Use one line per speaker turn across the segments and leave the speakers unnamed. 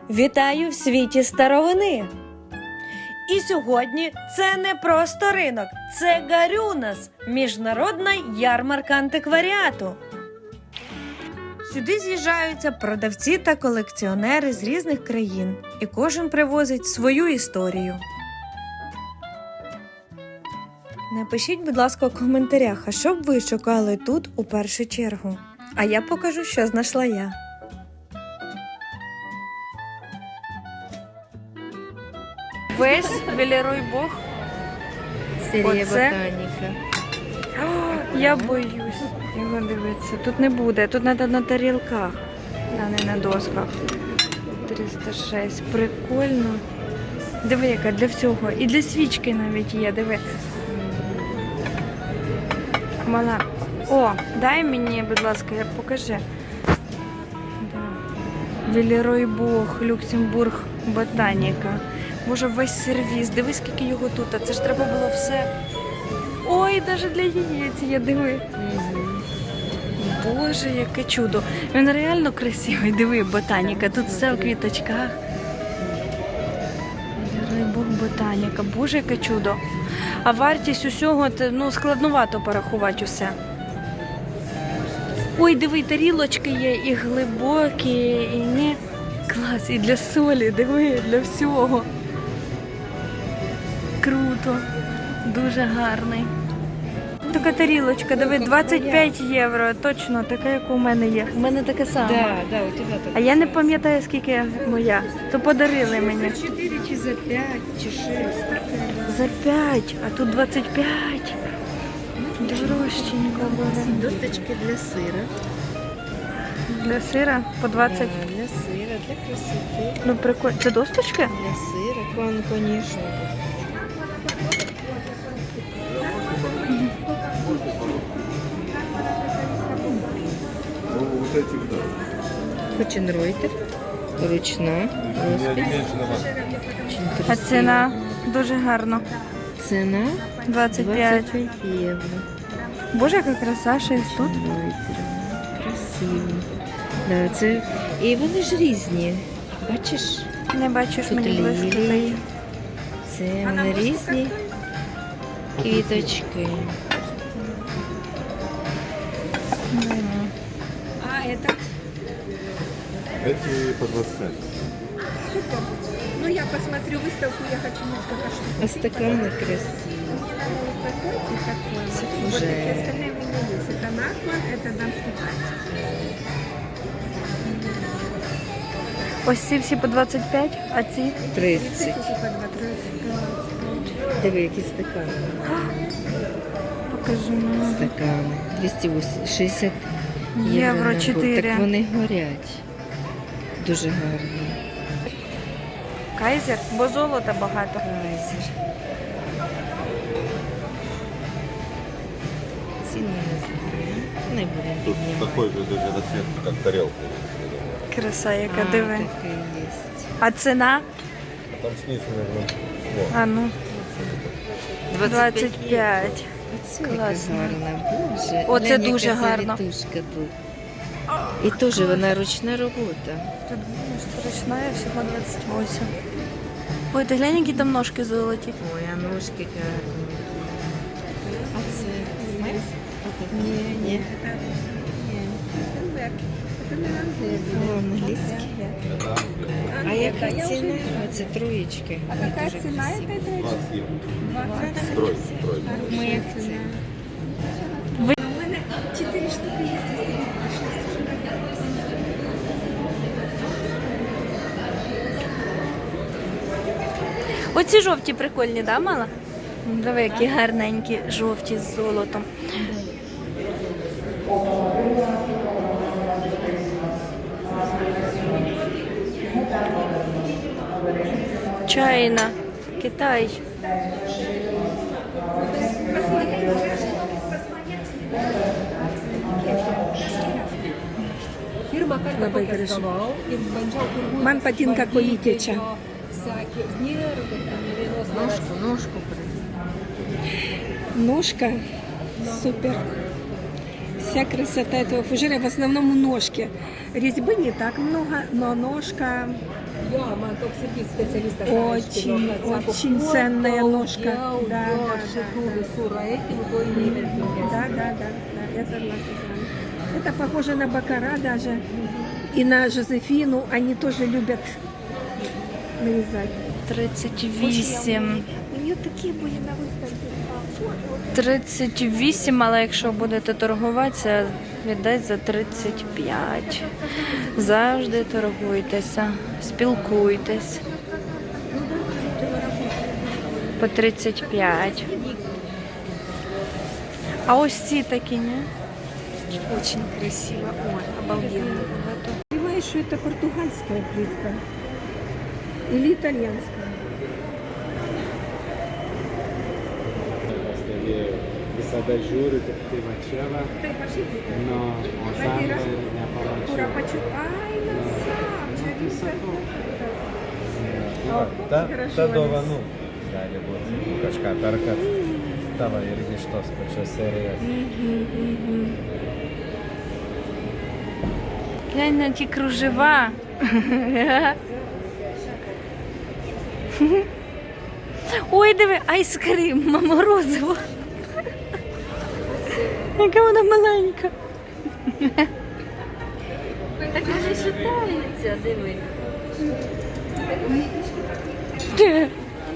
Вітаю в світі старовини! І сьогодні це не просто ринок, це Гарюнас – міжнародна ярмарка антикваріату. Сюди з'їжджаються продавці та колекціонери з різних країн, і кожен привозить свою історію. Напишіть, будь ласка, у коментарях, а що б ви шукали тут у першу чергу? А я покажу, що знайшла я. Весь Велеруй-Бог.
Серія
Оце?
ботаніка.
Я боюсь його дивитися. Тут не буде, тут треба на тарілках, а не на досках. 306. Прикольно. Диви, яка для всього. І для свічки навіть є, диви. Мала. О, дай мені, будь ласка, покажи. Да. Велеруй-Бог, Люксембург, ботаніка. Боже, весь сервіс. Дивись, скільки його тут. А це ж треба було все. Ой, навіть для яєць є, диви. Боже, яке чудо. Він реально красивий. Диви, ботаніка. Тут все в квіточках. Велеруй-Бог, ботаніка. Боже, яке чудо. А вартість усього, складновато порахувати усе. Ой, диви, тарілочки є і глибокі, і не... Клас, і для солі, диви, для всього. Круто. Дуже гарний. Така тарілочка, диви, 25 євро. Точно, така, як у мене є. У мене така сама.
Да, у тебе так.
А я не пам'ятаю, скільки моя. То подарили мені.
4 чи за 5, чи 6.
За 5, а тут 25. Дорожченько буде.
Досточки для сира.
Для сира по 20.
Да, для сира, для красоти.
Ну, прикольно. Це досточки?
Для сира, конечно. Хоченройтер. Ручна. Розпись. Очень
А
красиво.
ціна дуже гарно.
Ціна
25.
25 євро.
Боже, яка краса, 6 тут.
Красиво. Да, це... І вони ж різні. Бачиш?
Не бачиш,
Тут
мені близько.
лілії. Це вони різні квіточки.
А, это?
Эти по 25.
Супер. Ну, я посмотрю выставку, я хочу несколько штук.
А стакани красиві.
Такой и такой.
Це
Вот
уже-
такие остальные у меня есть. Это накван, это дамский пальчик.
Ось ці всі по 25, а ці
30.
Эти по 20.
Диви, які стакани.
покажу мені.
Стакани. 260
Євро
набор.
4.
Так вони горять. Дуже гарні.
Кайзер, бо золота багато.
Кайзер. Ціни не знаю. Не будемо
Тут
піднімати.
такой же даже расцветка, как тарелка.
Краса, яка
А,
диви.
таке є.
А ціна?
Там снизу нужно. Вот.
А ну, 25.
Оце
Класно.
яка гарна, боже.
Оце
Глянь,
дуже
яка
гарно.
завітушка тут. І теж вона ручна робота.
Тут ручна, всього 28. Ой, ти глянь, які там ножки золоті.
Ой, а ножки гарні. А це? Ні. О, англійський. А яка ціна? Оце троєчки.
А какая цена этой дрочки?
20 евро.
20.
Строй, строй.
Ми як це?
У меня 4 штуки есть, если не
Оці жовті прикольні, да, мала? Диви, які гарненькі, жовті з золотом. Чайна, Китай.
Ман патин какой теча.
Ножку.
Ножка. Супер. Вся красота этого фужера в основном ножки. Резьбы не так много, но ножка очень ценная ножка. Да, да, я согласна с вами. Это похоже на бакара даже. И на Жозефину. Они тоже любят нарезать.
38.
У нее такие были на выставке.
38, але якщо будете торгуватися, віддать за 35. Завжди торгуйтеся, спілкуйтесь. По 35. А ось ці такі, ні?
Очень красиво. Ой, обалденно. Понимаешь, что это португальская плитка? Или итальянская?
Questa bel giuro che ti faceva, no, ho sempre ne
Ура,
parlato.
почему? Ай, красавчик.
Ta dovanų gali būti kažką perkat. Tavo irgi iš tos pačios serijos.
Глянь на ті кружева. Ой, диви, айскрим, морозиво. Яка вона маленька.
Так вони шатаються, диви.
Де?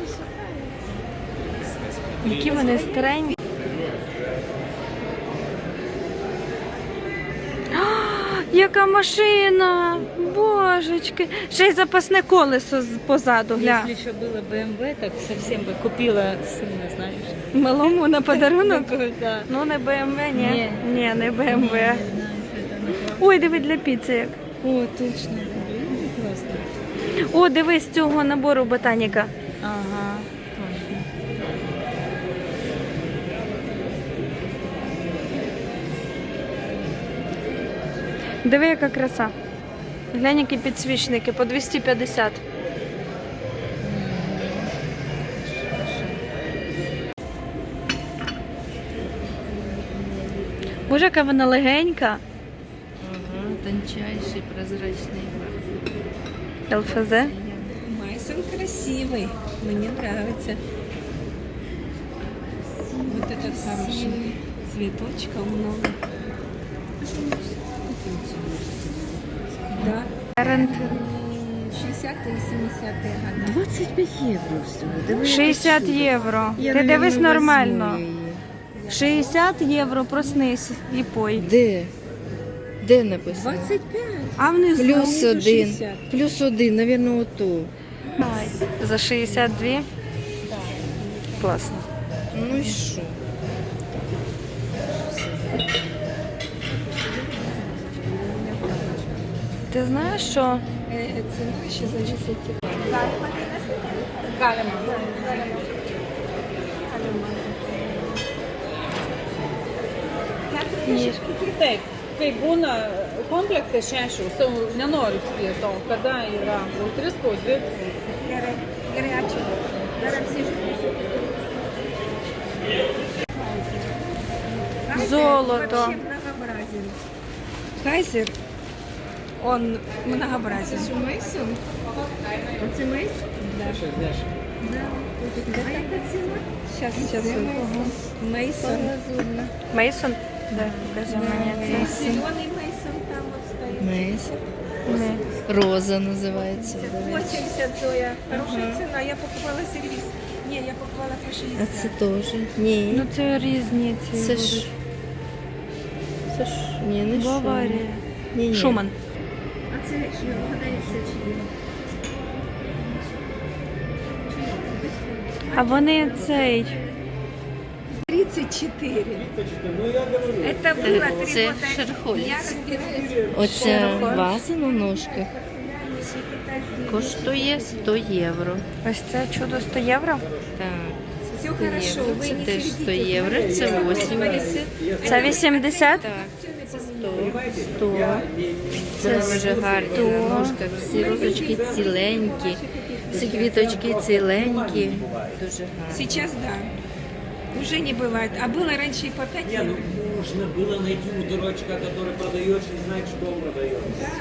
Які вони старенькі. Яка машина! Божечки! Ще й запасне колесо позаду, гля.
Если еще было BMW, так совсем бы купила сына, знаешь.
Малому на подарунок?
Да.
Ну, не БМВ, ні.
Ні.
Ні, не БМВ. Ой, диви для піци як.
О, точно. Классно.
О, дивись з цього набору ботаніка.
Ага, точно.
Диви, яка краса. Глянь, які підсвічники по 250. Боже, яка вона легенька.
Ага, тончайший, прозрачный.
ЛФЗ.
Майсон красивый. Мне нравится. Вот этот хороший. Цветочков много. Да.
Рент
60-е и 70-е годы.
25 євро всього. Диви,
60
красиво.
євро.
Я,
Ти дивись
наверно,
нормально.
возьму її.
60 євро, проснись і пой.
Де? Де написано?
25.
А внизу?
Плюс
внизу
один.
60.
Плюс один, наверное, ото.
За 62? Класно.
Ну і що?
Ти знаєш, що
Цена ще зависит.
ні.
Taip, kai būna komplektai 6, sau nenoriu spėti, kada yra jau 3, po 2.
Горячий. Зараз всі ж.
Золото.
Вообще многообразен. Кайзер, он многообразен. Это Мейсон? Это Мейсон? Да. Сейчас. Мейсон.
Мейсон? Да, покажи мені це.
Зеленый Мейсон там вот стоит.
Мейс.
Ні.
Роза називається.
80 Зоя. Хорошая цена. Я покупала сервис. Не, я покупала по 60.
А це теж? Ні.
Ну це різні ці
Це ж.
будуть.
Це ж. Ні, не Шуман.
Баварія.
Ні, ні.
Шуман.
А це що, вгадається чи є?
А вони цей.
34. Это было 3
Це
года.
Шерхольц.
Я разбираюсь.
Оця ваза на ножках коштує 100 євро.
Ось це чудо 100 євро.
Так.
Все
100
хорошо.
євро.
Вы
Це
не
теж 100
сердитесь.
євро, це 80.
Це 80?
Так, це 100. Це дуже гарні на ножках. Всі розочки ціленькі, всі квіточки ціленькі. Дуже гарні.
Сейчас да. Уже не бывает. А было раньше и по 5
Не,
евро.
ну можно было найти у дурачка, который продается и знает, что он продает.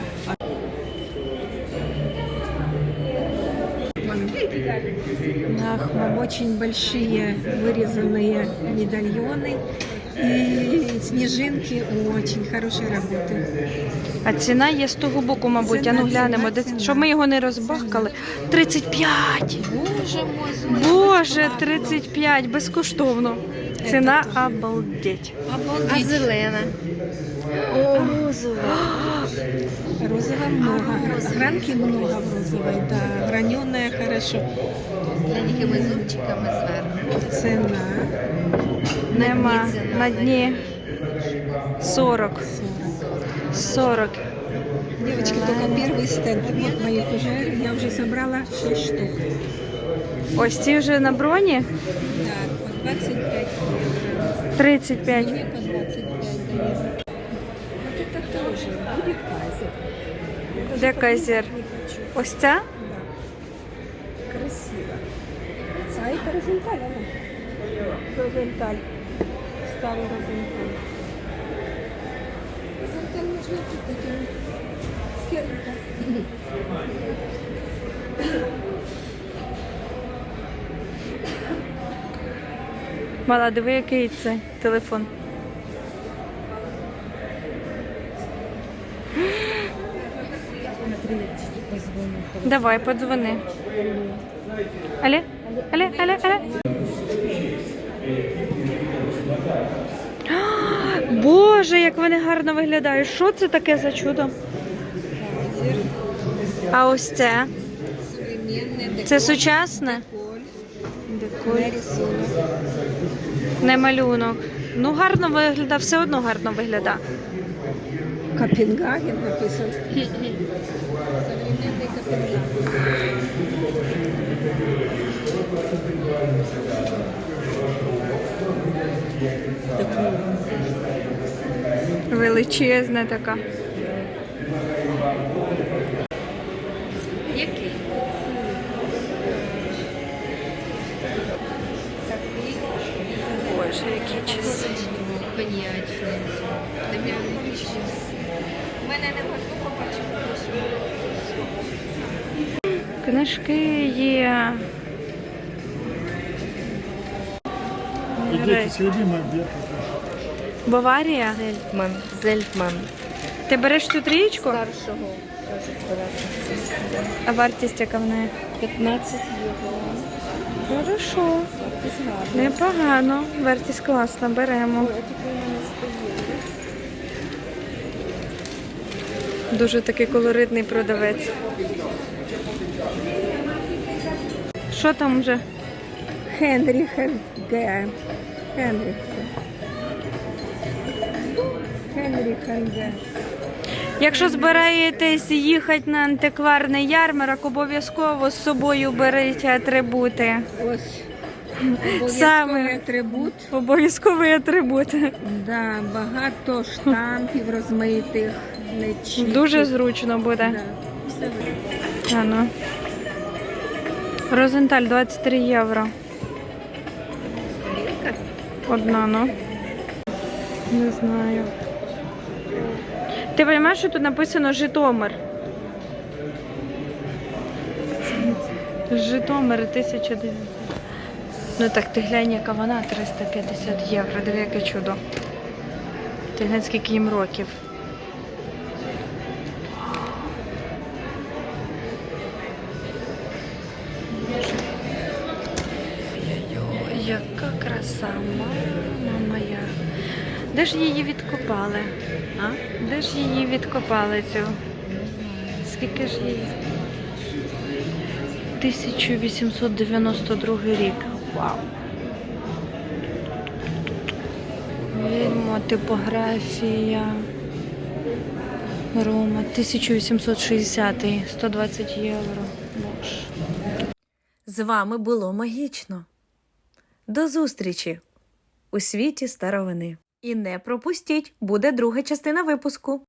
Нахмом очень большие вырезанные медальоны и снежинки очень хорошей работы.
А ціна є з того боку, мабуть.
Ціна,
А ну глянемо,
ціна,
де-
ціна.
щоб ми його не розбахкали. 35!
Боже мой,
Боже, 35, безкоштовно. Ціна обалдеть.
А зелена? О, розова.
Розового много. Гранки много в розовой, да. Граненая хорошо.
З маленькими зубчиками зверху.
Цена
Нема.
ціна,
На дні 40. 40.
Девочки, только первый стенд. Вот моих уже, я уже собрала 6 штук.
Ось ці вже на броні.
Да, по 25 евро.
35.
Мне по 25 дает. Вот это тоже будет кайзер.
Де кайзер? Ось ця?
Да. Красиво. А это розенталь, она. Розенталь. Старый розенталь. Розенталь можно купить. Скерника.
Мала, диви, який це телефон. Давай, подзвони. Алле? Алле, алле, алле. А, Боже, як вони гарно виглядають. Що це таке за чудо? А ось це? Це сучасне? Деколь. Не малюнок. Ну, гарно виглядає, все одно гарно виглядає.
Копенгаген написан. Современный Копенгаген.
Величезна така.
Який?
Боже, які часи.
Коньячний. Тобі
У мене не можна побачити.
Книжки є. Баварія.
Зельтман. Зельтман.
Ти береш цю трієчку?
Старшого. Кажуть, брати.
А вартість яка в неї?
15 євро.
Хорошо. Непогано. Вартість класна, беремо. Дуже такий колоритний продавець. Що там вже?
Хенріхен Г. Хенріхен. Хенріхен Г.
Якщо збираєтесь їхати на антикварний ярмарок, обов'язково з собою беріть атрибути.
Ось.
Саме.
Обов'язковий атрибут.
Обов'язковий атрибут.
Да, багато штампів розмитих. нечітких.
Дуже зручно буде.
Да. Все видно.
А ну. Розенталь 23 євро. Одна, ну. Не знаю. Ти розумієш, що тут написано Житомир? Житомир 1900. Ну так, ти глянь, яка вона, 350 євро. Диви, яке чудо. Ти глянь, скільки їм років. Ой, яка краса, мама моя. Де ж її відкопали? А? Де ж її відкопали цю? Скільки ж її? 1892 рік. Вау. Вільмо, типографія. Рома, 1860, 120 євро. Боже.
З вами було магічно. До зустрічі у світі старовини. І не пропустіть, буде друга частина випуску.